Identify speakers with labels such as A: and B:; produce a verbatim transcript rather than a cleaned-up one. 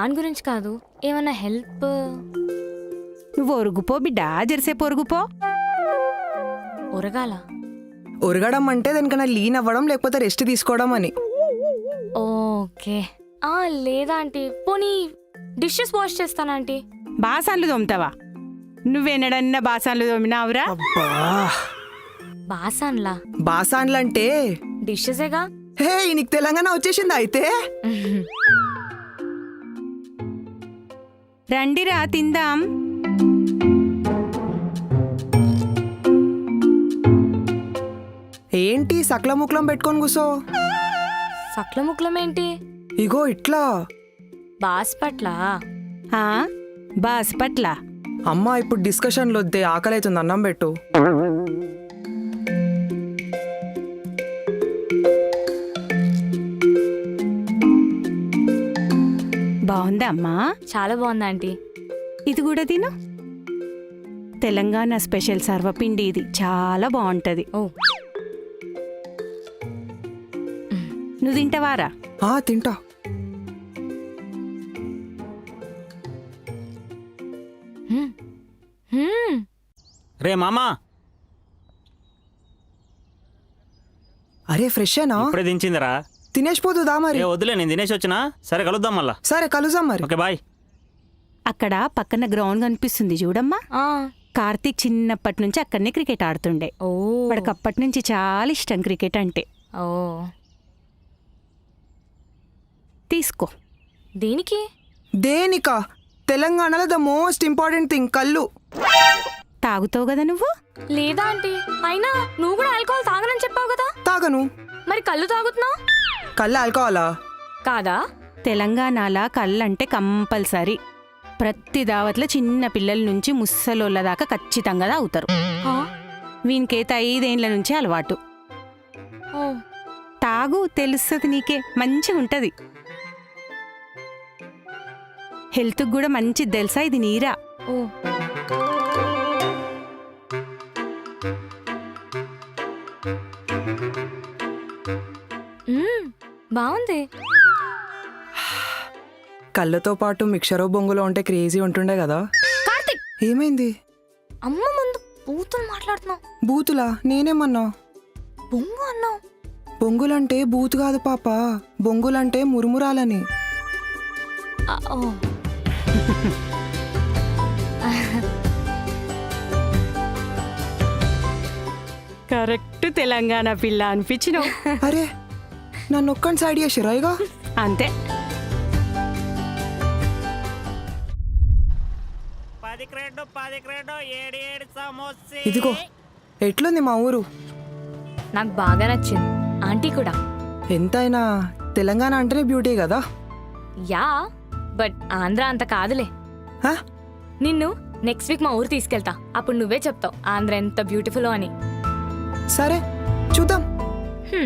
A: దాని గురించి కాదు, ఏమన్నా హెల్ప్.
B: నువ్వు ఒరుగుపో బిడ్డా, జెర్సేపు ఒరుగుపో.
A: ఒరగాల
C: ఒరగడం అంటే దానికన్నా లీన్ అవ్వడం లేకపోతే రెస్ట్ తీసుకోవడం అని.
A: ఓకే. ఆ లేదా ఆంటీ, పోనీ డిషెస్ వాష్ చేస్తానా ఆంటీ?
B: బాసాన్లు తోముతావా? నువ్వెన్నడన్నా బాసాన్లు తోమినావురా?
C: అబ్బా,
A: బాసాన్లా?
C: బాసాన్లంటే
A: డిషెసేగా.
C: హే, నీకు తెలంగాణ వచ్చేసిందా అయితే?
B: రండిరా తిందాం.
C: ఏంటి సకల ముక్లం పెట్టుకొని కూసో?
A: సక్ల ముక్లం ఏంటి?
C: ఇగో ఇట్లా.
A: బాస్పట్ల.
B: ఆ బాస్ పట్ల.
C: అమ్మా, ఇప్పుడు డిస్కషన్లు వద్దే, ఆకలి అవుతుంది, అన్నం పెట్టు.
B: బాగుందా అమ్మా?
A: చాలా బాగుంది ఆంటీ.
B: ఇది కూడా తిను. తెలంగాణ స్పెషల్ సర్వపిండి ఇది, చాలా బాగుంటది.
A: ఓ,
B: నువ్వు తింటావారా?
C: ఆ తింటా.
A: హ్మ్. హ్మ్.
D: రే మామా,
C: అరే ఫ్రెషేనా?
D: ఇప్పుడే దించిందిరా.
C: తినేసిపోతుందా మరి?
D: ఏ వద్దులే, నేను తినేసి వచ్చినా. సరే కలుద్దాం మళ్ళా.
C: సరే కలుద్దాం మరి.
D: Okay bye.
B: అక్కడ పక్కన గ్రౌండ్ కనిపిస్తుంది చూడమ్మా.
A: ఆ.
B: కార్తీక్ చిన్నప్పటి నుంచి అక్కడనే క్రికెట్ ఆడుతుండే.
A: ఓ.
B: వాడికి అప్పటి నుంచి చాలా ఇష్టం క్రికెట్ అంటే.
A: ఓ.
B: తీసుకో.
A: దేనికి?
C: దేనికా? తెలంగాణలో ద మోస్ట్ ఇంపార్టెంట్ థింగ్ కళ్ళు.
B: తాగుతావు కదా నువ్వు?
A: లేదా ఆంటీ, అయినా నువ్వు కూడా ఆల్కహాల్ తాగనని చెప్పావు కదా.
C: తాగను.
A: మరి కళ్ళు తాగుతున్నావు
C: కళ్ళు ఆల్కోవాలా?
A: కాదా?
B: తెలంగాణలో కళ్ళంటే కంపల్సరీ. ప్రతి దావత్లో చిన్న పిల్లల నుంచి ముసలోళ్ళ దాకా ఖచ్చితంగా తాగుతారు.
A: ఆ?
B: వీనికైతే ఐదేండ్ల నుంచి అలవాటు.
A: ఓ.
B: తాగు, తెలుస్తుంది నీకే, మంచిగా ఉంటది. హెల్త్కి కూడా మంచిది తెలుసా ఇది నీరా.
A: ఓ. మ్మ్, బాగుంది.
C: కళ్ళతో పాటు మిక్చరో బొంగులో ఉంటే క్రేజీ ఉంటుండే కదా.
A: కార్తిక్,
C: ఏమైంది?
A: అమ్మ ముందు బూతులు మాట్లాడుతున్నావు.
C: బూతులా? నేనేమన్నా?
A: బొంగు అన్నావు.
C: బొంగులంటే బూతు కాదు పాప, బొంగులంటే మురుమురాలని.
A: ఆ, ఓ.
B: కరెక్ట్ తెలంగాణ పిల్ల అనిపించినావు.
C: అరే, నన్ను ఒక్కని సైడ్ చేసిరా ఇక.
B: అంతే.
C: ఇదిగో, ఎట్లుంది మా ఊరు?
A: నాకు బాగా నచ్చింది. ఆంటీ కూడా.
C: ఎంతైనా తెలంగాణ అంటేనే బ్యూటీ కదా.
A: యా, బట్ ఆంధ్ర అంత కాదులే.
C: హా?
A: నిన్ను నెక్స్ట్ వీక్ మా ఊరు తీసుకెళ్తా. అప్పుడు నువ్వే చెప్తావు ఆంధ్ర ఎంత బ్యూటిఫుల్ అని.
C: సరే చూద్దాం.